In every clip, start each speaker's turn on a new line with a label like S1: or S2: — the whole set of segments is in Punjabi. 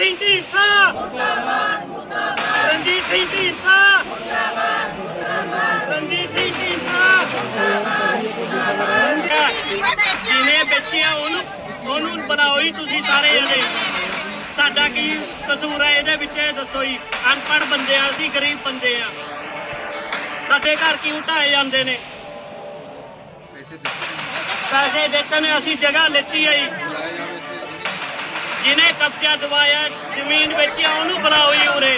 S1: ਸਿੰਘ ਢੀਂਡਸਾ ਮੁਰਦਾਬਾਦ ਮੁਰਦਾਬਾਦ ਰਣਜੀਤ ਸਿੰਘ ਢੀਂਡਸਾ ਮੁਰਦਾਬਾਦ ਮੁਰਦਾਬਾਦ ਰਣਜੀਤ ਸਿੰਘ ਢੀਂਡਸਾ ਮੁਰਦਾਬਾਦ ਮੁਰਦਾਬਾਦ ਜਿਹਨੇ ਵੇਚਿਆ ਉਹਨੂੰ ਬਣਾਓ ਹੀ ਤੁਸੀਂ ਸਾਰੇ ਜਣੇ। ਸਾਡਾ ਕੀ ਕਸੂਰ ਹੈ ਇਹਦੇ ਵਿੱਚ ਇਹ ਦੱਸੋ ਜੀ। ਅਨਪੜ੍ਹ ਬੰਦੇ ਆ ਅਸੀਂ, ਗਰੀਬ ਬੰਦੇ ਆ, ਸਾਡੇ ਘਰ ਕਿਉਂ ਢਾਏ ਜਾਂਦੇ ਨੇ? ਪੈਸੇ ਦਿੱਤੇ ਨੇ, ਅਸੀਂ ਜਗ੍ਹਾ ਲੈਤੀ ਹੈ ਜੀ। ਜਿਹਨੇ ਕਬਜ਼ਾ ਦਵਾਇਆ, ਜ਼ਮੀਨ ਵੇਚੀ ਉਹਨੂੰ ਬਣਾਓ ਜੀ ਉਰੇ।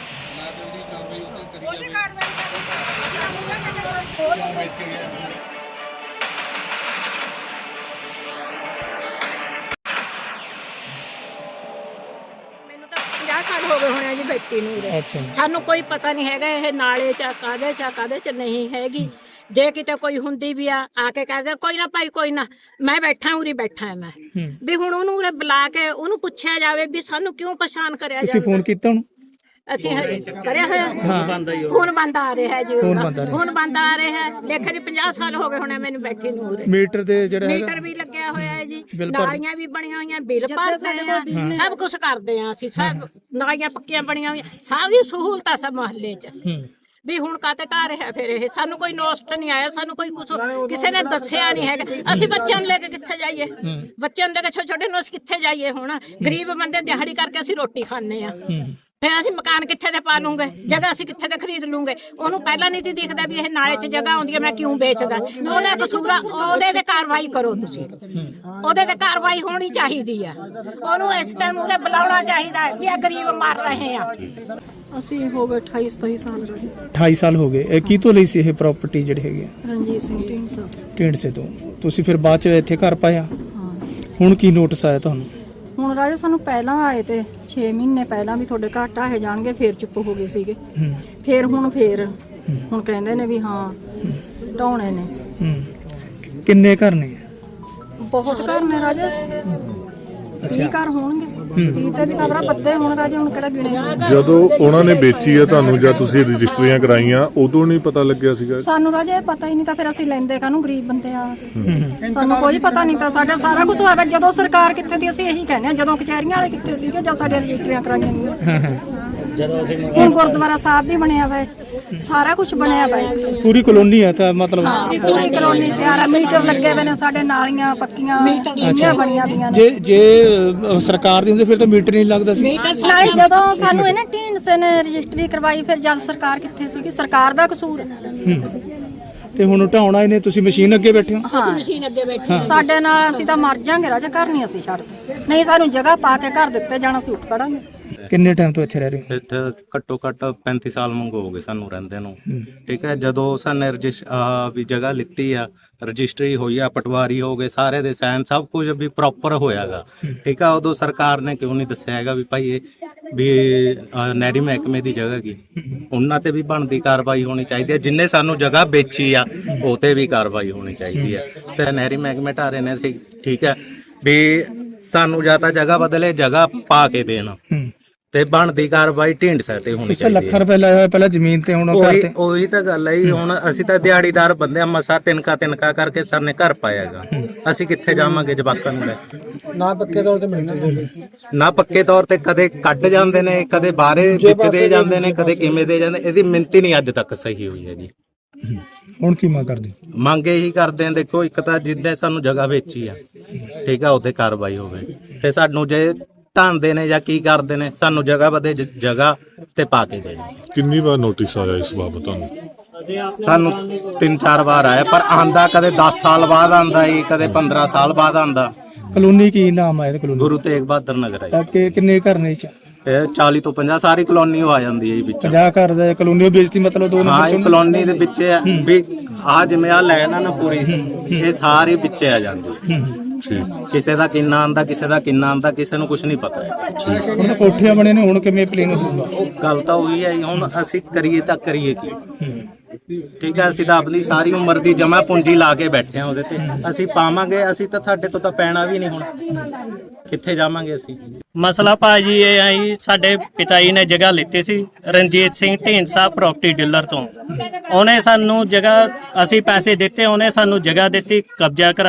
S2: ਮੈਨੂੰ ਤਾਂ 50 ਸਾਲ ਹੋ ਗਏ ਹੋਣੇ ਆ ਜੀ ਬੈਠੀ ਨੂੰ ਉਰੇ। ਸਾਨੂੰ ਕੋਈ ਪਤਾ ਨਹੀਂ ਹੈਗਾ ਇਹ ਨਾਲੇ ਚ ਕਾਦੇ ਚ ਨਹੀਂ ਹੈਗੀ। ਜੇ ਕਿਤੇ ਕੋਈ ਹੁੰਦੀ ਵੀ ਆ ਕੇ ਕਹਦੇ ਕੋਈ ਨਾ ਭਾਈ ਕੋਈ ਨਾ, ਮੈਂ ਬੈਠਾ ਉਰੀ ਬੈਠਾ ਮੈਂ ਵੀ। ਹੁਣ ਉਹਨੂੰ ਉਰੇ ਬੁਲਾ ਕੇ ਉਹਨੂੰ ਪੁੱਛਿਆ ਜਾਵੇ ਵੀ ਸਾਨੂੰ ਕਿਉਂ ਪਰੇਸ਼ਾਨ ਕਰਿਆ ਜਾਵੇ।
S3: ਤੁਸੀਂ ਫੋਨ ਕੀਤਾ ਉਹਨੂੰ?
S2: ਅਸੀਂ ਕਰਿਆ ਹੋਇਆ ਹੁਣ ਬੰਦ ਆ ਰਿਹਾ ਜੀ, ਹੁਣ ਬੰਦ ਆ ਰਿਹਾ। ਲੇਖੇ ਦੀ 50 ਸਾਲ ਹੋ ਗਏ ਹੋਣੇ ਮੈਨੂੰ ਬੈਠੀ ਨੂੰ ਉਰੇ।
S3: ਮੀਟਰ ਦੇ ਜਿਹੜਾ
S2: ਮੀਟਰ ਵੀ ਲੱਗਿਆ ਹੋਇਆ ਹੈ ਜੀ, ਨਾਲੀਆਂ ਵੀ ਬਣੀਆਂ ਹੋਈਆਂ, ਬਿੱਲ ਭਰਦੇ ਆ, ਸਭ ਕੁਝ ਕਰਦੇ ਆ ਅਸੀਂ। ਸਭ ਨਾਲੀਆਂ ਪੱਕੀਆਂ ਬਣੀਆਂ ਹੋਈਆਂ, ਸਾਰੀ ਸਹੂਲਤਾਂ ਸਭ ਮੁਹੱਲੇ 'ਚ। ਵੀ ਹੁਣ ਕਾਤੇ ਢਾਹ ਰਿਹਾ ਫਿਰ ਇਹ? ਸਾਨੂੰ ਕੋਈ ਨੋਸਟ ਨਹੀਂ ਆਇਆ, ਸਾਨੂੰ ਕੋਈ ਕੁਛ ਕਿਸੇ ਨੇ ਦੱਸਿਆ ਨਹੀਂ ਹੈਗਾ। ਅਸੀਂ ਬੱਚਿਆਂ ਨੂੰ ਲੈ ਕੇ ਕਿੱਥੇ ਜਾਈਏ? ਬੱਚਿਆਂ ਨੂੰ ਲੈ ਕੇ ਛੋਟੇ ਨੂੰ ਅਸੀਂ ਕਿੱਥੇ ਜਾਈਏ? ਹੁਣ ਗਰੀਬ ਬੰਦੇ ਦਿਹਾੜੀ ਕਰਕੇ ਅਸੀਂ ਰੋਟੀ ਖਾਂਦੇ ਆ। ਫਿਰ ਅਸੀਂ ਮਕਾਨ ਕਿੱਥੇ ਦੇ ਪਾ ਲੂੰਗੇ? ਜਗ੍ਹਾ ਅਸੀਂ ਕਿੱਥੇ ਦੇ ਖਰੀਦ ਲੂੰਗੇ? ਉਹਨੂੰ ਪਹਿਲਾਂ ਨਹੀਂ ਦਿਖਦਾ ਵੀ ਇਹ ਨਾਲੇ 'ਚ ਜਗ੍ਹਾ ਆਉਂਦੀ ਹੈ, ਮੈਂ ਕਿਉਂ ਵੇਚਦਾ? ਉਹਨੇ ਕਸੂਰਾ, ਉਹਦੇ ਤੇ ਕਾਰਵਾਈ ਕਰੋ ਤੁਸੀਂ। ਉਹਦੇ ਤੇ ਕਾਰਵਾਈ ਹੋਣੀ ਚਾਹੀਦੀ ਆ। ਉਹਨੂੰ ਇਸ ਟਾਈਮ ਉਰੇ ਬੁਲਾਉਣਾ ਚਾਹੀਦਾ ਵੀ ਇਹ ਗਰੀਬ ਮਰ ਰਹੇ ਆ।
S4: ਅਸੀਂ ਹੋ ਗਏ 28-27 ਸਾਲ ਜੀ।
S3: 28 ਸਾਲ ਹੋ ਗਏ। ਇਹ ਕੀ ਤੋਂ ਲਈ ਸੀ ਇਹ ਪ੍ਰਾਪਰਟੀ ਜਿਹੜੀ ਹੈਗੀ ਆ?
S4: ਰਣਜੀਤ ਸਿੰਘ ਢੀਂਡਸਾ।
S3: ਢੀਂਡਸੇ ਤੋਂ। ਤੁਸੀਂ ਫਿਰ ਬਾਅਦ ਚ ਇੱਥੇ ਘਰ ਪਾਇਆ?
S4: ਹਾਂ।
S3: ਹੁਣ ਕੀ ਨੋਟਿਸ ਆਇਆ ਤੁਹਾਨੂੰ?
S4: ਹੁਣ ਰਾਜਾ ਸਾਨੂੰ ਪਹਿਲਾਂ ਆਏ ਤੇ 6 ਮਹੀਨੇ ਪਹਿਲਾਂ ਵੀ ਤੁਹਾਡੇ ਘਰ ਢਾਹੇ ਜਾਣਗੇ, ਫੇਰ ਚੁੱਪ ਹੋ ਗਏ ਸੀਗੇ। ਫੇਰ ਹੁਣ ਕਹਿੰਦੇ ਨੇ ਵੀ ਹਾਂ ਢਾਉਣੇ ਨੇ।
S3: ਕਿੰਨੇ ਘਰ ਨੇ?
S4: ਬਹੁਤ ਘਰ ਨੇ ਰਾਜਾ, 30 ਘਰ ਹੋਣਗੇ। 30 ਤੇ ਵੀ ਖਬਰਾਂ ਪੱਤੇ ਹੁਣ ਰਾਜਾ, ਹੁਣ ਕਿਹੜਾ ਗਿਣੇ।
S5: ਜਦੋਂ ਉਹਨਾਂ ਨੇ ਵੇਚੀ ਹੈ ਤੁਹਾਨੂੰ ਜਾਂ ਤੁਸੀਂ ਰਜਿਸਟਰੀਆਂ ਕਰਾਈਆਂ, ਉਦੋਂ ਨਹੀਂ ਪਤਾ ਲੱਗਿਆ ਸੀਗਾ?
S4: ਸਾਨੂੰ ਰਾਜਾ ਇਹ ਪਤਾ ਹੀ ਨਹੀਂ ਤਾਂ ਫਿਰ ਅਸੀਂ ਲੈਂਦੇ ਕਾਹਨੂੰ? ਗਰੀਬ ਬੰਦੇ ਆ, ਸਾਨੂੰ ਕੋਈ ਪਤਾ ਨਹੀਂ ਤਾਂ। ਸਾਡਾ ਸਾਰਾ ਕੁਝ ਹੋਇਆ ਜਦੋਂ ਸਰਕਾਰ ਕਿੱਥੇ ਦੀ, ਅਸੀਂ ਇਹੀ ਕਹਿੰਦੇ ਆ। ਜਦੋਂ ਕਚਹਿਰੀਆਂ ਵਾਲੇ ਕਿੱਥੇ ਸੀਗੇ, ਜਾਂ ਸਾਡੇ ਰਜਿਸਟਰੀਆਂ ਕਰਾਈਆਂ ਗਈਆਂ। ਹੁਣ ਗੁਰਦੁਆਰਾ ਸਾਹਿਬ ਵੀ ਬਣਿਆ ਵਾ, ਸਾਰਾ ਕੁਝ ਬਣਿਆ ਵਾ।
S3: ਪੂਰੀ ਕਲੋਨੀ ਹੈ ਤਾਂ ਮਤਲਬ?
S4: ਪੂਰੀ ਕਲੋਨੀ ਤਿਆਰ ਆ, ਮੀਟਰ ਲੱਗੇ ਹੋਏ ਨੇ ਸਾਡੇ, ਨਾਲੀਆਂ ਪੱਕੀਆਂ ਲੀਆਂ ਬਣੀਆਂ ਦੀਆਂ ਨੇ।
S3: ਜੇ ਸਰਕਾਰ ਦੀ ਹੁੰਦੀ ਫਿਰ ਤਾਂ ਮੀਟਰ ਨਹੀਂ ਲੱਗਦਾ ਸੀ।
S4: ਨਾਲੇ ਜਦੋਂ ਸਾਨੂੰ ਇਹਨੇ ਢੀਂਡਸੇ ਨੇ ਰਜਿਸਟਰੀ ਕਰਵਾਈ, ਫਿਰ ਜਦ ਸਰਕਾਰ ਕਿੱਥੇ ਸੀਗੀ? ਸਰਕਾਰ ਦਾ ਕਸੂਰ ਹੈ।
S3: ਤੇ ਹੁਣ ਢਾਉਣਾ ਇਹਨੇ, ਤੁਸੀਂ ਮਸ਼ੀਨ ਅੱਗੇ ਬੈਠੇ ਹੋ?
S4: ਹਾਂ,
S2: ਮਸ਼ੀਨ ਅੱਗੇ ਬੈਠੀ
S4: ਸਾਡੇ ਨਾਲ ਅਸੀਂ ਤਾਂ ਮਰ ਜਾਾਂਗੇ ਰਾਜਾ, ਘਰ ਨਹੀਂ ਅਸੀਂ ਛੱਡਦੇ। ਨਹੀਂ, ਸਾਨੂੰ ਜਗ੍ਹਾ ਪਾ ਕੇ ਘਰ ਦਿੱਤੇ ਜਾਣਾ, ਅਸੀਂ ਉੱਠ ਖੜਾਂਗੇ।
S3: ਕਿੰਨੇ ਟਾਈਮ ਤੋਂ ਇੱਥੇ ਰਹਿ ਰਹੇ ਹੋ?
S6: ਇੱਥੇ ਘੱਟੋ ਘੱਟ 35 ਸਾਲ ਮੰਗੋ ਹੋ ਗਏ ਸਾਨੂੰ ਰਹਿੰਦੇ ਨੂੰ। ਠੀਕ ਹੈ, ਜਦੋਂ ਸਾਨੇ ਵੀ ਜਗ੍ਹਾ ਲਿੱਤੀ ਆ, ਰਜਿਸਟਰੀ ਹੋਈ ਆ, ਪਟਵਾਰੀ ਹੋ ਗਏ, ਸਾਰੇ ਦੇ ਸਾਈਨ ਸਭ ਕੁਝ ਵੀ ਪ੍ਰੋਪਰ ਹੋਇਆਗਾ। ਠੀਕ ਆ, ਉਦੋਂ ਸਰਕਾਰ ਨੇ ਕਿਉਂ ਨਹੀਂ ਦੱਸਿਆ ਹੈਗਾ ਵੀ ਭਾਈ ਇਹ ਵੀ ਨਹਿਰੀ ਮਹਿਕਮੇ ਦੀ ਜਗ੍ਹਾ ਕੀ? ਉਹਨਾਂ ਤੇ ਵੀ ਬਣਦੀ ਕਾਰਵਾਈ ਹੋਣੀ ਚਾਹੀਦੀ ਹੈ। ਜਿੰਨੇ ਸਾਨੂੰ ਜਗ੍ਹਾ ਵੇਚੀ ਆ ਉਹ ਤੇ ਵੀ ਕਾਰਵਾਈ ਹੋਣੀ ਚਾਹੀਦੀ ਹੈ। ਤੇ ਨਹਿਰੀ ਮਹਿਕਮੇ ਢਾਰੇ ਨੇ ਠੀਕ ਹੈ ਵੀ ਸਾਨੂੰ ਜਾਂ ਤਾਂ ਜਗ੍ਹਾ ਬਦਲੇ, ਜਗ੍ਹਾ ਪਾ ਕੇ ਦੇਣ, ਤੇ ਬਣਦੀ ਕਾਰਵਾਈ ਢੀਂਡਸੇ ਤੇ ਹੋਣੀ ਚਾਹੀਦੀ ਹੈ।
S3: ਲੱਖ ਰੁਪਏ ਲਾਇਆ ਹੋਇਆ ਪਹਿਲਾਂ ਜ਼ਮੀਨ ਤੇ, ਹੁਣ
S6: ਉਹੀ ਤਾਂ ਗੱਲ ਹੈ। ਹੁਣ ਅਸੀਂ ਤਾਂ ਦਿਹਾੜੀਦਾਰ ਬੰਦੇ ਆ, ਮਸਾ ਤਿੰਨਕਾ ਕਰਕੇ ਸਰ ਨੇ ਘਰ ਪਾਇਆਗਾ। ਅਸੀਂ ਕਿੱਥੇ ਜਾਵਾਂਗੇ ਜਵਾਕਾਂ ਨੂੰ ਲੈ?
S3: ਨਾ ਪੱਕੇ ਤੌਰ ਤੇ ਮਿਲਦੇ,
S6: ਨਾ ਪੱਕੇ ਤੌਰ ਤੇ ਕਦੇ ਕੱਢ ਜਾਂਦੇ ਨੇ, ਕਦੇ ਬਾਹਰੇ ਵਿੱਚ ਦੇ ਜਾਂਦੇ ਨੇ, ਕਦੇ ਕਿਵੇਂ ਦੇ ਜਾਂਦੇ। ਇਹਦੀ ਮਿੰਤੀ ਨਹੀਂ ਅੱਜ ਤੱਕ ਸਹੀ ਹੋਈ ਹੈ ਜੀ।
S3: ਹੁਣ ਕੀ ਮੰਗ ਕਰਦੇ?
S6: ਮੰਗ ਇਹੀ ਕਰਦੇ ਆ, ਦੇਖੋ ਇੱਕ ਤਾਂ ਜਿੱਦਾਂ ਸਾਨੂੰ ਜਗ੍ਹਾ ਵੇਚੀ ਆ, ਠੀਕ ਆ, ਉਹਤੇ ਕਾਰਵਾਈ ਹੋਵੇ। ਤੇ ਸਾਨੂੰ ਜੇ ਢਾਂਦੇ ਨੇ ਜਾਂ ਕੀ ਕਰਦੇ ਨੇ, ਸਾਨੂੰ ਜਗ੍ਹਾ ਬਦੇ ਜਗ੍ਹਾ ਤੇ ਪਾ ਕੇ ਦੇ।
S5: ਕਿੰਨੀ ਵਾਰ ਨੋਟਿਸ ਆਇਆ ਇਸ ਬਾਬਤ ਤੁਹਾਨੂੰ?
S6: ਸਾਨੂੰ 3-4 ਵਾਰ ਆਇਆ, ਪਰ ਆਂਦਾ ਕਦੇ 10 ਸਾਲ ਬਾਅਦ ਆਂਦਾ ਜੀ, ਕਦੇ 15 ਸਾਲ ਬਾਅਦ ਆਂਦਾ।
S3: ਕਲੋਨੀ ਕੀ ਨਾਮ ਆਇਆ? ਕਲੋਨੀ
S6: ਗੁਰੂ ਤੇਗ ਬਹਾਦਰ ਨਗਰ ਹੈ।
S3: ਕਿੰਨੇ ਘਰ ਨੇ?
S6: ਇਹ 40 ਤੋਂ 50 ਸਾਰੀ ਕਲੋਨੀ ਆ ਜਾਂਦੀ ਹੈ ਵਿੱਚ।
S3: 50 ਘਰ ਦਾ ਕਲੋਨੀ ਵੇਚਤੀ ਮਤਲਬ? ਦੋ
S6: ਹਾਂ, ਇਹ ਕਲੋਨੀ ਦੇ ਵਿੱਚ ਵੀ ਆ ਜਿਵੇਂ ਆ ਲੈਣ ਆ ਨਾ ਪੂਰੀ, ਇਹ ਸਾਰੀ ਵਿੱਚ ਆ ਜਾਂਦੀ। ਕਿਸੇ ਦਾ ਕਿੰਨਾ ਆਂਦਾ, ਕਿਸੇ ਦਾ ਕਿੰਨਾ ਆਂਦਾ, ਕਿਸੇ ਨੂੰ ਕੁਝ ਨਹੀਂ ਪਤਾ।
S3: ਹੁਣ ਤਾਂ ਕੋਠੀਆਂ ਬਣੇ ਨੇ, ਹੁਣ ਕਿਵੇਂ ਪਲੇਨ ਹੋਊਗਾ?
S6: ਉਹ ਗੱਲ ਤਾਂ ਉਹੀ ਹੈ। ਹੁਣ ਅਸੀਂ ਕਰੀਏ ਤਾਂ ਕਰੀਏ ਕੀ? ਠੀਕ ਹੈ, ਅਸੀਂ ਤਾਂ ਆਪਣੀ ਸਾਰੀ ਉਮਰ ਦੀ ਜਮਾ ਪੂੰਜੀ ਲਾ ਕੇ ਬੈਠੇ ਆ ਉਹਦੇ ਤੇ। ਅਸੀਂ ਪਾਵਾਂਗੇ, ਅਸੀਂ ਤਾਂ ਸਾਡੇ ਤੋਂ ਤਾਂ ਪੈਣਾ ਵੀ ਨਹੀਂ। ਹੁਣ ਕਿੱਥੇ ਜਾਵਾਂਗੇ ਅਸੀਂ?
S1: ਮਸਲਾ ਭਾਜੀ ਇਹ ਆਈ, ਸਾਡੇ ਪਿਤਾ ਜੀ ਨੇ ਜਗ੍ਹਾ ਲਿੱਤੀ ਸੀ ਰਣਜੀਤ ਸਿੰਘ ਢੀਂਡਸਾ ਪ੍ਰਾਪਰਟੀ ਡੀਲਰ ਤੋਂ। ਉਹਨੇ ਸਾਨੂੰ ਜਗ੍ਹਾ, ਅਸੀਂ ਪੈਸੇ ਦਿੱਤੇ, ਉਹਨੇ ਸਾਨੂੰ ਜਗ੍ਹਾ ਦਿੱਤੀ, ਕਬਜ਼ਾ ਕਰਾਇਆ।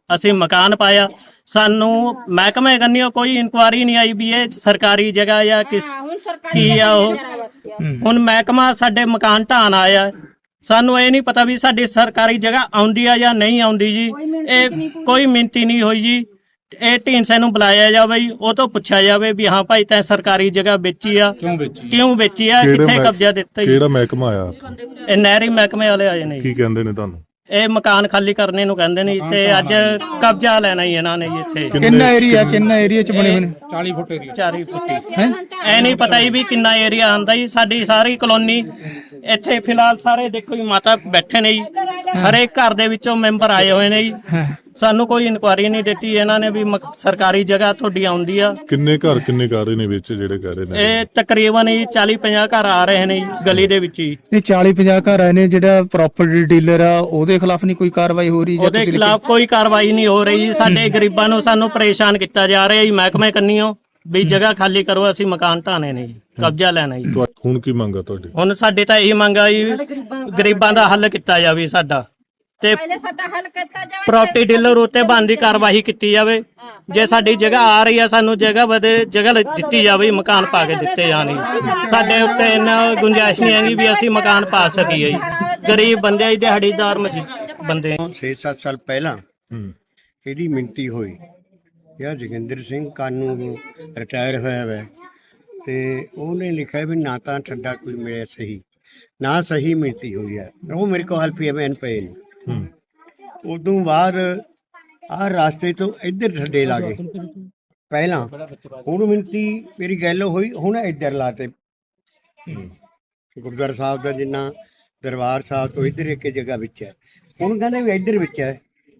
S1: ਅਸੀਂ ਮਕਾਨ ਪਾਇਆ। ਸਾਨੂੰ ਮਹਿਕਮੇ ਕੰਨਿਓ ਕੋਈ ਇਨਕੁਆਰੀ ਨਹੀਂ ਆਈ ਵੀ ਇਹ ਸਰਕਾਰੀ ਜਗ੍ਹਾ ਜਾਂ ਕਿਸ ਕੀ ਆ ਉਹ। ਹੁਣ ਮਹਿਕਮਾ ਸਾਡੇ ਮਕਾਨ ਢਾਣ ਆਇਆ, ਸਾਨੂੰ ਇਹ ਨਹੀਂ ਪਤਾ ਵੀ ਸਾਡੀ ਸਰਕਾਰੀ ਜਗ੍ਹਾ ਆਉਂਦੀ ਆ ਜਾਂ ਨਹੀਂ ਆਉਂਦੀ ਜੀ। ਇਹ ਕੋਈ ਮਿੰਤੀ ਨਹੀਂ ਹੋਈ ਜੀ। ਇਹ ਢੀਂਡਸੇ ਨੂੰ ਬੁਲਾਇਆ ਜਾਵੇ ਜੀ, ਉਹ ਤੋਂ ਪੁੱਛਿਆ ਜਾਵੇ ਵੀ ਹਾਂ ਭਾਈ ਤੈਂ ਸਰਕਾਰੀ ਜਗ੍ਹਾ ਵੇਚੀ ਆ, ਕਿਉਂ ਵੇਚੀ ਆ, ਕਿੱਥੇ ਕਬਜ਼ਾ ਦਿੱਤਾ ਜੀ।
S5: ਕਿਹੜਾ ਮਹਿਕਮਾ ਆਇਆ?
S1: ਇਹ ਨਹਿਰੀ ਮਹਿਕਮੇ ਵਾਲੇ ਆਏ ਨੇ ਜੀ।
S5: ਕੀ ਕਹਿੰਦੇ ਨੇ ਤੁਹਾਨੂੰ?
S1: ਇਹ ਮਕਾਨ ਖਾਲੀ ਕਰਨੇ ਨੂੰ ਕਹਿੰਦੇ ਨੇ ਤੇ ਅੱਜ ਕਬਜ਼ਾ ਲੈਣਾ ਹੀ ਇਹਨਾਂ ਨੇ ਜੀ ਇੱਥੇ।
S3: ਕਿੰਨਾ ਏਰੀਆ ਚ ਬਣੇ ਹੋਏ ਨੇ?
S1: 40 ਫੁੱਟ ਐ ਨਹੀਂ ਪਤਾ ਜੀ ਵੀ ਕਿੰਨਾ ਏਰੀਆ ਆਂਦਾ ਜੀ। ਸਾਡੀ ਸਾਰੀ ਕਲੋਨੀ ਇੱਥੇ ਫਿਲਹਾਲ ਸਾਰੇ ਦੇਖੋ ਜੀ ਮਾਤਾ ਬੈਠੇ ਨੇ ਜੀ, ਹਰੇਕ ਘਰ ਦੇ ਵਿੱਚੋਂ ਮੈਂਬਰ ਆਏ ਹੋਏ ਨੇ ਜੀ। ਸਾਨੂੰ ਕੋਈ ਇਨਕੁਆਰੀ ਨਹੀਂ ਦਿੱਤੀ ਇਹਨਾਂ ਨੇ ਵੀ ਸਰਕਾਰੀ ਜਗ੍ਹਾ ਤੁਹਾਡੀ ਆਉਂਦੀ ਆ।
S5: ਕਿੰਨੇ ਘਰ ਨੇ ਵਿੱਚ ਜਿਹੜੇ ਕਹਿ ਰਹੇ ਨੇ?
S1: ਇਹ ਤਕਰੀਬਨ ਜੀ 40-50 ਘਰ ਆ ਰਹੇ ਨੇ ਜੀ ਗਲੀ ਦੇ ਵਿੱਚ ਹੀ।
S3: ਇਹ 40-50 ਘਰ ਆਏ ਨੇ। ਜਿਹੜਾ ਪ੍ਰਾਪਰਟੀ ਡੀਲਰ ਆ ਉਹਦੇ ਖਿਲਾਫ ਨਹੀਂ ਕੋਈ ਕਾਰਵਾਈ ਹੋ ਰਹੀ?
S1: ਉਹਦੇ ਖਿਲਾਫ ਕੋਈ ਕਾਰਵਾਈ ਨਹੀਂ ਹੋ ਰਹੀ ਜੀ। ਸਾਡੇ ਗਰੀਬਾਂ ਨੂੰ ਸਾਨੂੰ ਪਰੇਸ਼ਾਨ ਕੀਤਾ ਜਾ ਰਿਹਾ ਜੀ ਮਹਿਕਮੇ ਕੰਨੀਓ ਵੀ ਜਗ੍ਹਾ ਖਾਲੀ ਕਰੋ, ਅਸੀਂ ਮਕਾਨ ਢਾਣੇ ਨੇ ਜੀ, ਕਬਜ਼ਾ ਲੈਣਾ ਜੀ।
S5: ਹੁਣ ਕੀ ਮੰਗਾ ਤੁਹਾਡੀ?
S1: ਹੁਣ ਸਾਡੇ ਤਾਂ ਇਹ ਮੰਗ ਆ ਜੀ ਗਰੀਬਾਂ ਦਾ ਹੱਲ ਕੀਤਾ ਜਾਵੇ ਸਾਡਾ, ਤੇ ਪ੍ਰਾਪਰਟੀ ਡੀਲਰ ਉੱਤੇ ਬਣਦੀ ਕਾਰਵਾਈ ਕੀਤੀ ਜਾਵੇ। ਜੇ ਸਾਡੀ ਜਗ੍ਹਾ ਆ ਰਹੀ ਆ ਸਾਨੂੰ ਜਗ੍ਹਾ ਦਿੱਤੀ ਜਾਵੇ, ਮਕਾਨ ਪਾ ਕੇ ਦਿੱਤੇ ਜਾਣ। ਸਾਡੇ ਉੱਤੇ ਇੰਨਾ ਗੁੰਜਾਇਸ਼ ਨਹੀਂ ਹੈਗੀ ਵੀ ਅਸੀਂ ਮਕਾਨ ਪਾ ਸਕੀਏ ਜੀ। ਗਰੀਬ ਬੰਦੇ ਆ, ਦਿਹਾੜੀਦਾਰ ਬੰਦੇ।
S7: 6-7 ਸਾਲ ਪਹਿਲਾਂ ਇਹਦੀ ਮਿਣਤੀ ਹੋਈ। ਇਹ ਜੋਗਿੰਦਰ ਸਿੰਘ ਕਾਨੂੰ ਰਿਟਾਇਰ ਹੋਇਆ ਹੈ ਤੇ ਉਹਨੇ ਲਿਖਿਆ ਵੀ ਨਾ ਤਾਂ ਠੱਡਾ ਕੋਈ ਮਿਲਿਆ ਸਹੀ, ਨਾ ਸਹੀ ਮਿਣਤੀ ਹੋਈ ਹੈ। ਉਹ ਮੇਰੇ ਕੋਲ ਪੀਐਮਐਨ ਪਏ ਨੇ। ਉਦੋਂ ਬਾਅਦ ਆਹ ਰਾਸਤੇ ਤੋਂ ਇੱਧਰ ਠੱਡੇ ਲਾ ਗਏ ਪਹਿਲਾਂ। ਹੁਣ ਮਿਣਤੀ ਮੇਰੀ ਗੱਲ ਹੋਈ, ਹੁਣ ਇੱਧਰ ਲਾਤੇ। ਗੁਰਦੁਆਰਾ ਸਾਹਿਬ ਦਾ ਜਿੰਨਾ ਦਰਬਾਰ ਸਾਹਿਬ ਤੋਂ ਇੱਧਰ ਇੱਕ ਜਗ੍ਹਾ ਵਿੱਚ ਹੈ, ਹੁਣ ਕਹਿੰਦੇ ਵੀ ਇੱਧਰ ਵਿੱਚ ਹੈ।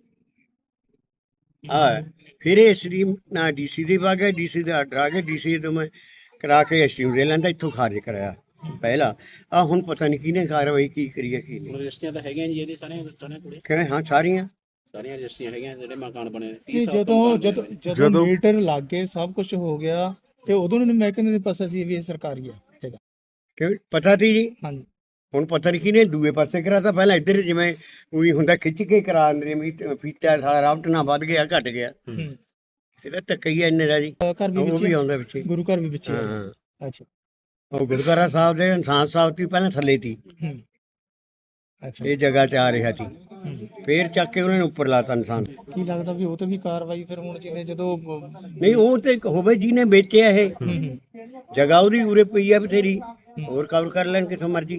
S7: ਫਿਰ ਇਹ ਸਟ੍ਰੀਮ ਨਾ ਡੀਸੀ ਦੇ ਪਾ ਗਿਆ, ਡੀਸੀ ਦਾ ਆਰਡਰ ਆ ਗਿਆ, ਡੀਸੀ ਤੋਂ ਮੈਂ ਕਰਾ ਕੇ ਸਟ੍ਰੀਮ ਦੇ ਲੈਂਦਾ, ਇੱਥੋਂ ਖਾਰਜ ਕਰਾਇਆ ਪਹਿਲਾਂ। ਹੁਣ ਪਤਾ ਨਹੀਂ ਕਿਹਨੇ ਕਾਰਵਾਈ ਕੀ ਕਰੀ ਹੈ ਕੀ ਨਹੀਂ।
S8: ਰਜਿਸਟਰੀਆਂ ਤਾਂ ਹੈਗੀਆਂ ਜੀ ਇਹਦੀ ਸਾਰੀਆਂ ਕੁੜੀ
S7: ਕਹਿੰਦੇ ਹਾਂ ਸਾਰੀਆਂ
S8: ਰਜਿਸਟਰੀਆਂ ਹੈਗੀਆਂ ਜਿਹੜੇ ਮਕਾਨ ਬਣੇ
S3: ਜਦੋਂ ਮੀਟਰ ਲੱਗ ਗਏ ਸਭ ਕੁਝ ਹੋ ਗਿਆ ਤੇ ਉਦੋਂ ਨੂੰ ਮਹਿਕਮੇ ਦੇ ਪਾਸੇ ਸੀ ਵੀ ਇਹ ਸਰਕਾਰੀ ਹੈ ਜਗ੍ਹਾ।
S7: ਕਿ ਪਤਾ ਸੀ ਜੀ।
S3: ਹਾਂਜੀ।
S7: ਹੁਣ ਪਤਾ ਨਹੀਂ ਕਿਹਨੇ ਦੂਏ ਪਾਸੇ ਕਰਾਤਾ। ਪਹਿਲਾਂ ਇੱਧਰ ਜਿਵੇਂ ਉਹੀ ਹੁੰਦਾ ਖਿੱਚ ਕੇ ਕਰਾ ਦਿੰਦੇ, ਫੀਤਾ ਸਾਰਾ ਰਾਵਟ ਨਾ ਵੱਧ ਗਿਆ ਘਟ ਗਿਆ। ਇਹਦਾ ਧੱਕਈਆ ਇੰਨੇ ਦਾ ਜੀ।
S3: ਘਰ ਵੀ
S7: ਉਹ ਵੀ ਆਉਂਦਾ ਵਿੱਚ,
S3: ਗੁਰੂ ਘਰ ਵੀ ਵਿੱਚ।
S7: ਹਾਂ
S3: ਅੱਛਾ।
S7: ਉਹ ਗੁਰਦੁਆਰਾ ਸਾਹਿਬ ਦੇ ਇਨਸਾਨ ਸਾਹਿਬ ਦੀ ਪਹਿਲਾਂ ਥੱਲੇ ਸੀ।
S3: ਅੱਛਾ।
S7: ਇਹ ਜਗ੍ਹਾ ਤੇ ਆ ਰਿਹਾ ਸੀ, ਫੇਰ ਚੱਕ ਕੇ ਉਹਨਾਂ ਨੇ ਉੱਪਰ ਲਾਤਾ ਇਨਸਾਨ।
S3: ਕੀ ਲੱਗਦਾ ਵੀ ਉਹ ਤੇ ਵੀ ਕਾਰਵਾਈ ਫਿਰ ਹੁਣ ਚਾਹੀਦੀ ਜਦੋਂ?
S7: ਨਹੀਂ ਉਹ ਤੇ ਹੋਵੇ ਜਿਹਨੇ ਵੇਚਿਆ ਇਹ ਜਗ੍ਹਾ, ਉਹਦੀ ਉਰੇ ਪਈ ਆ ਬਥੇਰੀ, ਹੋਰ ਕਵਰ ਕਰ ਲੈਣ ਕਿਥੋਂ ਮਰਜੀ।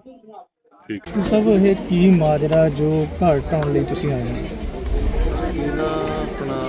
S3: ਸਭ ਇਹ ਕੀ ਮਾਜਰਾ ਜੋ ਘਰ ਢਾਉਣ ਲਈ ਤੁਸੀਂ ਆਏ ਹੋ?
S9: ਇਹ ਨਾ ਆਪਣਾ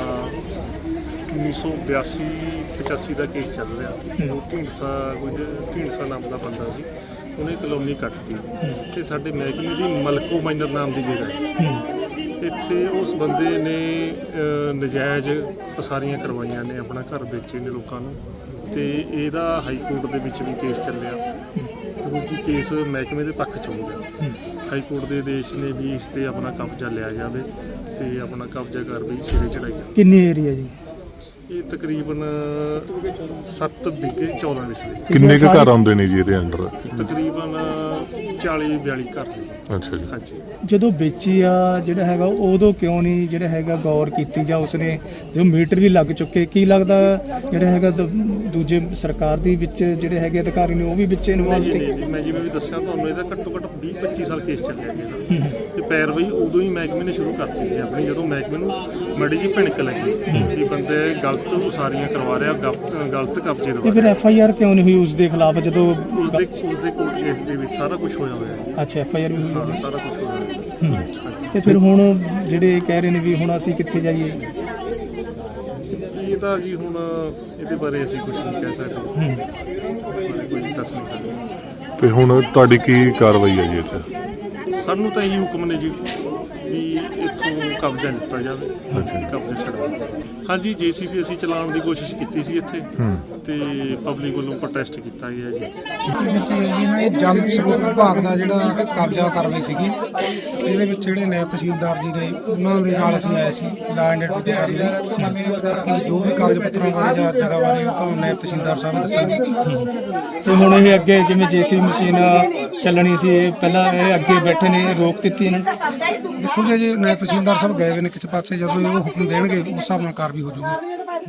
S9: 1982-85 ਦਾ ਕੇਸ ਚੱਲ ਰਿਹਾ। ਉਹ ਢੀਂਡਸਾ ਨਾਮ ਦਾ ਬੰਦਾ ਸੀ, ਉਹਨੇ ਕਲੋਨੀ ਕੱਟਤੀ ਤੇ ਸਾਡੇ ਮਹਿਕਮੇ ਦੀ ਮਲਕੋ ਮਾਈਨਰ ਨਾਮ ਦੀ ਜਗ੍ਹਾ ਹੈ। ਇੱਥੇ ਉਸ ਬੰਦੇ ਨੇ ਨਜਾਇਜ਼ ਪਸਾਰੀਆਂ ਕਰਵਾਈਆਂ ਨੇ, ਆਪਣਾ ਘਰ ਵੇਚੇ ਨੇ ਲੋਕਾਂ ਨੂੰ, ਤੇ ਇਹਦਾ ਹਾਈ ਕੋਰਟ ਦੇ ਵਿੱਚ ਵੀ ਕੇਸ ਚੱਲਿਆ ਕਿਉਂਕਿ ਕੇਸ ਮਹਿਕਮੇ ਦੇ ਪੱਖ 'ਚ ਹੋ ਗਿਆ। ਹਾਈ ਕੋਰਟ ਦੇ ਆਦੇਸ਼ ਨੇ ਵੀ ਇਸ ਤੇ ਆਪਣਾ ਕਬਜ਼ਾ ਲਿਆ ਜਾਵੇ ਤੇ ਆਪਣਾ ਕਬਜ਼ਾ ਕਰ ਵੀ ਸਿਰੇ ਚੜਾਈ ਜਾਵੇ।
S3: ਕਿੰਨੀ ਏਰੀਆ ਜੀ?
S9: ਇਹ ਤਕਰੀਬਨ 7 ਵਿਗੇ 14 ਵਿਸਲੇ।
S5: ਕਿੰਨੇ ਕੁ ਘਰ ਆਉਂਦੇ ਨੇ ਜੀ ਇਹਦੇ ਅੰਡਰ?
S9: ਤਕਰੀਬਨ 40-42 ਘਰ ਨੇ।
S5: ਅੱਛਾ ਜੀ।
S9: ਹਾਂਜੀ।
S3: ਜਦੋਂ ਵੇਚੀ ਆ ਜਿਹੜਾ ਹੈਗਾ ਉਦੋਂ ਕਿਉਂ ਨਹੀਂ ਜਿਹੜਾ ਹੈਗਾ ਗੌਰ ਕੀਤੀ ਜਾਂ ਉਸਨੇ ਜੋ ਮੀਟਰ ਵੀ ਲੱਗ ਚੁੱਕੇ, ਕੀ ਲੱਗਦਾ ਜਿਹੜਾ ਹੈਗਾ ਦੂਜੇ ਸਰਕਾਰ ਦੇ ਵਿੱਚ ਜਿਹੜੇ ਹੈਗੇ ਅਧਿਕਾਰੀ ਨੇ ਉਹ ਵੀ ਵਿੱਚ ਇਨਵੋਲਵ ਤੇ?
S9: ਮੈਂ ਜਿਵੇਂ ਵੀ ਦੱਸਿਆ ਤੁਹਾਨੂੰ, ਇਹਦਾ ਘੱਟੋ ਘੱਟ 20-25 ਸਾਲ ਕੇਸ ਚੱਲਿਆ ਗਿਆ ਤੇ ਪੈਰਵਾਈ ਉਦੋਂ ਹੀ ਮਹਿਕਮੇ ਨੇ ਸ਼ੁਰੂ ਕਰਤੀ ਸੀ ਆਪਣੀ, ਜਦੋਂ ਮਹਿਕਮੇ ਨੂੰ ਮਾੜੀ ਜਿਹੀ ਭਿਣਕ ਲੱਗੀ ਕਿ ਬੰਦੇ ਗਲਤ ਉਸਾਰੀਆਂ ਕਰਵਾ ਰਿਹਾ, ਗਲਤ ਕਬਜ਼ੇ ਦਵਾ।
S3: ਤੇ ਫਿਰ FIR ਕਿਉਂ ਨਹੀਂ ਹੋਈ ਉਸ ਦੇ ਖਿਲਾਫ ਜਦੋਂ
S9: ਉਸਦੇ ਕੋਰਟ ਕੇਸ ਦੇ ਵਿੱਚ ਸਾਰਾ ਕੁਝ ਹੋਇਆ ਹੋਇਆ ਹੈ।
S3: ਅੱਛਾ, FIR ਵੀ ਹੋਈ?
S9: ਸਾਰਾ ਕੁਝ ਹੋਇਆ ਹੋਇਆ।
S3: ਤੇ ਫਿਰ ਹੁਣ ਜਿਹੜੇ ਕਹਿ ਰਹੇ ਨੇ ਵੀ ਹੁਣ ਅਸੀਂ ਕਿੱਥੇ ਜਾਈਏ?
S9: ਇਹ ਤਾਂ ਜੀ ਹੁਣ ਇਹਦੇ ਬਾਰੇ ਅਸੀਂ ਕੁਝ ਨਹੀਂ ਕਹਿ ਸਕਦੇ, ਕੋਈ ਦੱਸ ਨਹੀਂ ਸਕਦੇ।
S5: ਤੇ ਹੁਣ ਤੁਹਾਡੀ ਕੀ ਕਾਰਵਾਈ ਹੈ ਜੀ ਇੱਥੇ?
S9: ਸਾਨੂੰ ਤਾਂ ਇਹ ਹੁਕਮ ਨੇ ਜੀ ਵੀ ਇੱਥੋਂ ਕਬਜ਼ਾ ਲਿੱਤਾ ਜਾਵੇ, ਕਬਜ਼ਾ ਛੱਡਵਾ। ਹਾਂਜੀ, JCB ਅਸੀਂ ਚਲਾਉਣ ਦੀ ਕੋਸ਼ਿਸ਼ ਕੀਤੀ ਸੀ ਇੱਥੇ ਤੇ ਪਬਲਿਕ ਵੱਲੋਂ ਪ੍ਰੋਟੈਸਟ ਕੀਤਾ ਗਿਆ ਜੀ।
S10: ਇਹ ਜਲ ਸਰੋਤ ਵਿਭਾਗ ਦਾ ਜਿਹੜਾ ਕਬਜ਼ਾ ਕਾਰਵਾਈ ਸੀਗੀ, ਇਹਦੇ ਵਿੱਚ ਜਿਹੜੇ ਨਾਇਬ ਤਹਿਸੀਲਦਾਰ ਜੀ ਨੇ ਉਹਨਾਂ ਦੇ ਨਾਲ ਅਸੀਂ ਆਏ ਸੀ ਲਾ ਐਂਡ ਡਿਊਟੀ ਕਰਨ ਲਈ ਕਿ ਜੋ ਵੀ ਕਾਗਜ਼ ਪੱਤਰਾਂ ਬਾਰੇ ਜਾਂ ਜਗ੍ਹਾ ਬਾਰੇ ਉਹ ਤਾਂ ਨਾਇਬ ਤਹਿਸੀਲਦਾਰ ਸਾਹਿਬ ਦੱਸਣਗੇ।
S3: ਤੇ ਹੁਣ ਇਹ ਅੱਗੇ ਜਿਵੇਂ ਜੇਸੀਬੀ ਮਸ਼ੀਨ ਚੱਲਣੀ ਸੀ, ਇਹ ਪਹਿਲਾਂ ਇਹ ਅੱਗੇ ਬੈਠੇ ਨੇ, ਰੋਕ ਦਿੱਤੀ ਇਹਨਾਂ ਨੇ।
S10: ਦੇਖੋ ਜੀ ਨਾਇਬ ਤਹਿਸੀਲਦਾਰ ਸਾਹਿਬ ਗਏ ਹੋਏ ਨੇ ਕਿਸੇ ਪਾਸੇ, ਜਦੋਂ ਉਹ ਹੁਕਮ ਦੇਣਗੇ ਉਸ ਹਿਸਾਬ ਨਾਲ ਕਾਰਵਾਈ ਹੋ ਜਾਊਗੀ।